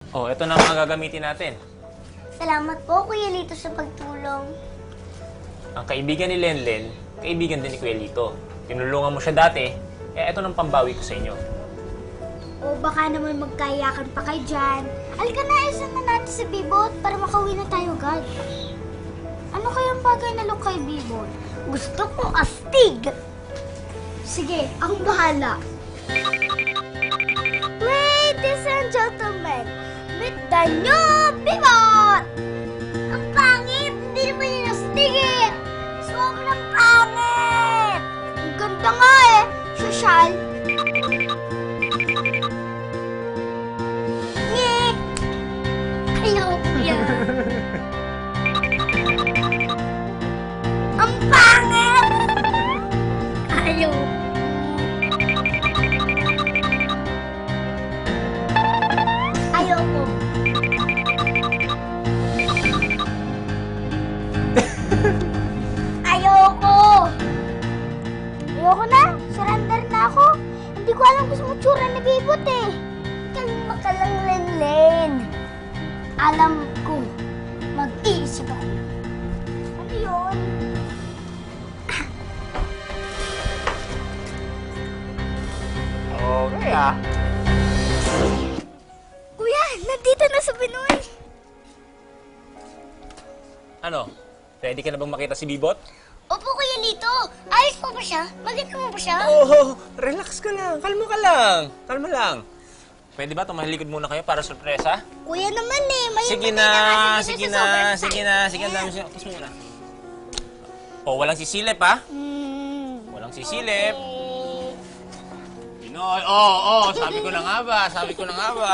Oh, ito na ang mga gagamitin natin. Salamat po, Kuya Lito, sa pagtulong. Ang kaibigan ni Lenlen, kaibigan din ni Kuya Lito. Tinulungan mo siya dati, ito nang pambawi ko sa inyo. O baka naman magkayakan pa kayo dyan. Halika na, isan na natin si Bibot para makauwi na tayo agad. Ano kayang bagay na look kay Bibot? Gusto kong astig! Sige, akong bahala. Ladies and gentlemen, meet the new Bibot! Ang pangit! Hindi naman yun astig eh! Sobrang pangit! Ang ganda nga eh! Sosyal! Nye! Ayoko yan! Ang pangit! Ayoko! Ayoko! Ayoko! Ayoko na! Surrender na ako! Hindi ko alam gusto mo tsura ni Bibot eh! Kalma ka lang, Lenlen! Alam ko, mag-iisip ako. Ano yun? Okay ah. Kuya, nandito na sa Pinoy! Ano? Ready ka na bang makita si Bibot? Opo, Kuya Lito! Ayos po ba siya? Maganda mo ba siya? Oh, relax ka lang. Kalma ka lang. Kalma lang. Pwede ba tumahilikod muna kayo para sorpresa? Kuya naman eh, may Sige na, sige na, sige na, sige na. Tapos muna. Oh, walang sisilip ha? Walang sisilip. Pinoy, sabi ko na nga ba, sabi ko na nga ba.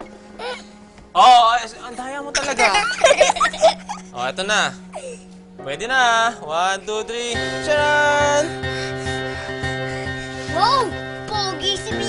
Ang daya mo talaga. Oh, eto na. Pwede na. 1, 2, 3. Charan! Wow! Pogi si